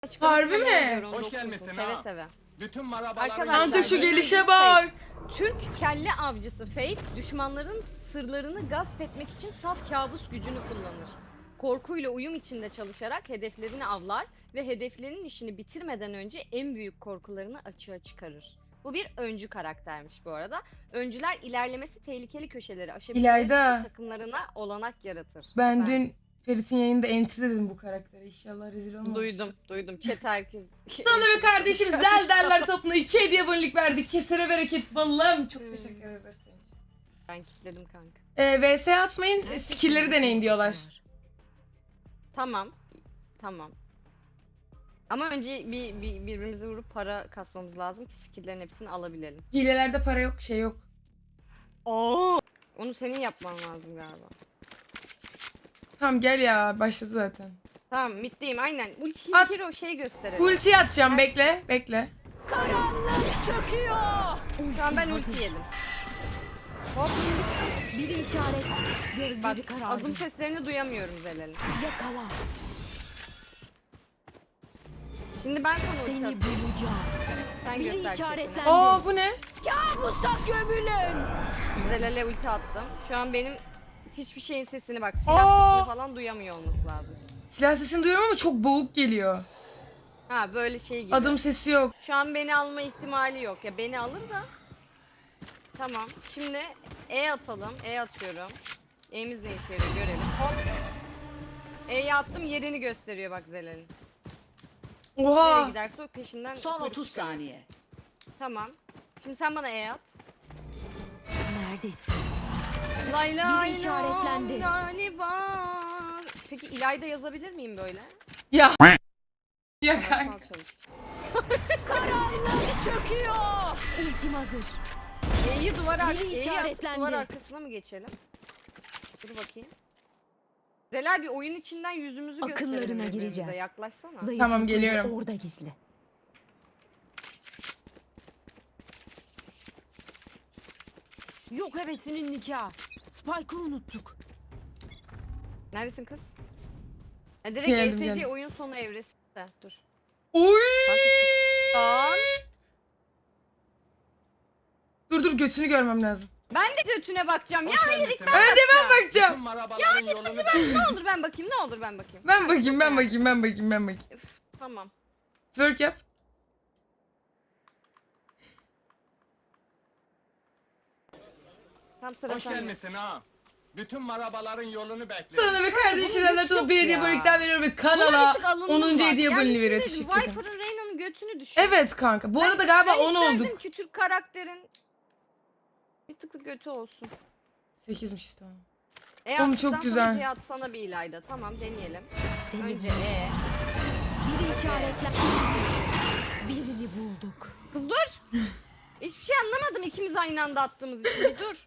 Harbi mi? Hoş gelmişsin Seve ha. seve. Bütün marabaların Arkadaşlar, Kanka şu Bence gelişe bir bak. Türk kelle avcısı Fate, düşmanların sırlarını gasp etmek için saf kabus gücünü kullanır. Korkuyla uyum içinde çalışarak hedeflerini avlar ve hedeflerinin işini bitirmeden önce en büyük korkularını açığa çıkarır. Bu bir öncü karaktermiş bu arada. Öncüler ilerlemesi tehlikeli köşeleri aşabilmek İlayda. için takımlarına olanak yaratır. Ben Efendim? dün Ferit'in yayında entry dedim bu karaktere. İnşallah rezil olmaz. Duydum. Chat herkes. Sana bir kardeşim Zelderler topuna 2 hediye abonelik verdi. Kesere bereket balım. Çok teşekkür ederiz desteğin için. Ben kilitledim kanka. VS atmayın, skill'leri deneyin diyorlar. Tamam. Ama önce birbirimizi vurup para kasmamız lazım ki skill'lerin hepsini alabilelim. Hilelerde para yok, şey yok. Onu senin yapman lazım galiba. Tamam gel ya, başladı zaten. Tamam, middeyim aynen. Ultiyi At. bir kere o şeye gösterelim. Ulti atacağım, bekle. Karanlık çöküyor. Şu an ben ulti yedim. Hop, Biri işaret. bak Gözleri karardı. adım seslerini duyamıyorum Zelal'in. Yakala. Şimdi ben sana ulti Seni atayım. bulacağım. Sen Biri göster işaretlendi. şeklini. Aa bu ne? Kabusa gömülün. Zelal'e ulti attım. Şu an benim hiçbir şeyin sesini bak. Aa! Silah sesini falan duyamıyor olması lazım. Silah sesini duyuyorum ama çok boğuk geliyor. Ha böyle şey gibi. Adım sesi yok. Şu an beni alma ihtimali yok. Ya beni alır da. Tamam. Şimdi E atalım. E atıyorum. E'miz ne işe yarıyor görelim. Hop. E'yi attım, yerini gösteriyor bak Zelal'in. Nereye Oha. giderse o peşinden Son kuyruk 30 çıkıyor. saniye. Tamam. Şimdi sen bana E at. Neredesin? Lay lay Biri işaretlendi. galiba. Peki İlayda yazabilir miyim böyle? Ya. Ya kanka. Sal çalış. Karanlık çöküyor. Ultim hazır. E'yi Biri E'yi atıp işaretlendi. duvar arkasına mı geçelim? Dur bakayım. Zelal bir oyun içinden yüzümüzü gösterelim Akıllarına birbirimize. gireceğiz. Yaklaşsana. Zayıf Tamam, zıpkın geliyorum. Orada gizli. Yok hevesinin nikahı. Spike'ı unuttuk. Neredesin kız? Direkt Geldim, ESC geldim. oyun sonu evresi. Dur. Oy. Lan. Dur götünü görmem lazım. Ben de götüne bakacağım. Ya Hoş hayır gelmişsin ilk ben ha. Önce ben bakacağım. Bütün bakacağım. marabaların yolunu Ne olur ben bakayım, ne olur ben bakayım. Ben bakayım. Üf, tamam. Twerk yap. Tam sıra Hoş sende. gelmişsin ha. Bütün marabaların yolunu bekliyorum. Sana ve kardeşim bunun Anadolu hiç yok bir hediye ya. abonelikten veriyorum ve Buna kanala bir tık alındım 10. bak. hediye Yani aboneliği veriyor. şimdi Teşekkür ederim. Viper'ın Reyna'nın götünü düşün. Evet kanka. Bu arada galiba 10 isterdim olduk. ki Türk karakterin bir tık götü olsun. 8'miş tamam. Oğlum çok güzel. C atsana bir İlayda. Tamam deneyelim. Seni Önce bulacağım. Biri işaretlendi. Birini bulduk. Kız dur. Hiçbir şey anlamadım ikimiz aynı anda attığımız için. Bir dur.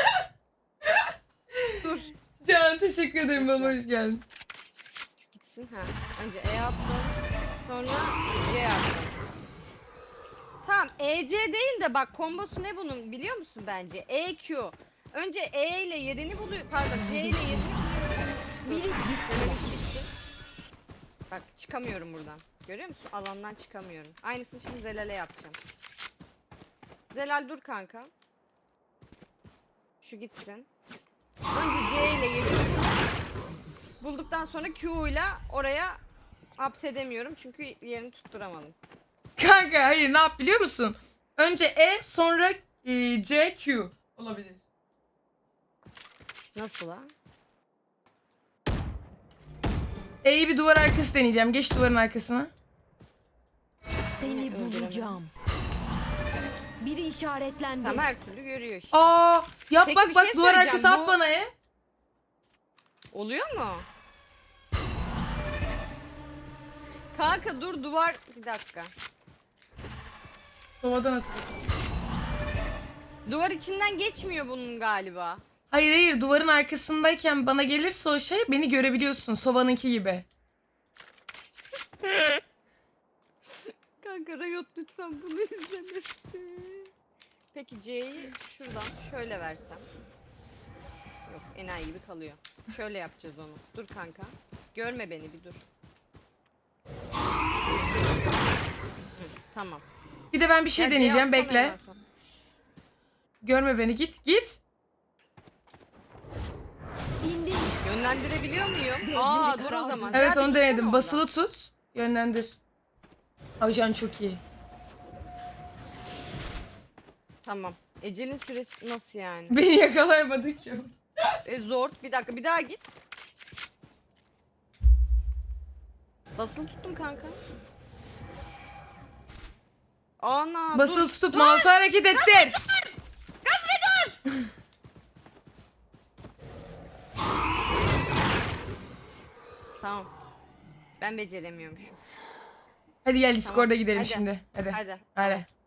Dur. Can teşekkür ederim bana hoş geldin. Şu gitsin ha. Önce E attım. Sonra C attım. Tamam EC değil de bak kombosu ne bunun biliyor musun bence? EQ. Önce E ile yerini buluyor. Pardon C ile yerini buluyor. Biri bitti. Bitti. Bak çıkamıyorum buradan. Görüyor musun? Alandan çıkamıyorum. Aynısını şimdi Zelal'e yapacağım. Zelal dur kanka. Şu gitsin. Önce C ile yerini bulduktan sonra Q ile oraya hapsedemiyorum çünkü yerini tutturamadım. Kanka hayır ne yap biliyor musun? Önce E sonra C Q olabilir. Nasıl ha? E'yi bir duvar arkası deneyeceğim. Geç duvarın arkasına. Seni bulacağım. Biri işaretlendi. Tamam her türlü görüyor işte. Aa yap Peki, bak bir bak şey duvar söyleyeceğim. arkası at Bu- bana E. Oluyor mu? Kanka dur duvar bir dakika. Sovada nasıl? Duvar içinden geçmiyor bunun galiba. Hayır duvarın arkasındayken bana gelirse o şey beni görebiliyorsun. Sova'nınki gibi. Kanka Riot lütfen bunu izlemesin. Peki C'yi şuradan şöyle versem. Yok enayi gibi kalıyor. Şöyle yapacağız onu. Dur kanka. Görme beni bir dur. Tamam. Bir de ben bir şey Ya, deneyeceğim. yapsana Bekle. ya sen. Görme beni. Git. Git. İndir. Yönlendirebiliyor muyum? Gözleri Aa dur o karardı. zaman. Evet Gel onu bir denedim. gitsene Basılı oradan. tut. Yönlendir. Ajan çok iyi. Tamam. Ecelin süresi nasıl yani? Beni yakalayamadı ki. Zor. Bir dakika bir daha git. Basılı tuttum kanka. Ana Basılı dur. tutup mouse'u hareket ettir. Tamam. Ben beceremiyormuşum. Hadi gel Discord'a gidelim Hadi. şimdi. Hadi. Hadi. Hadi.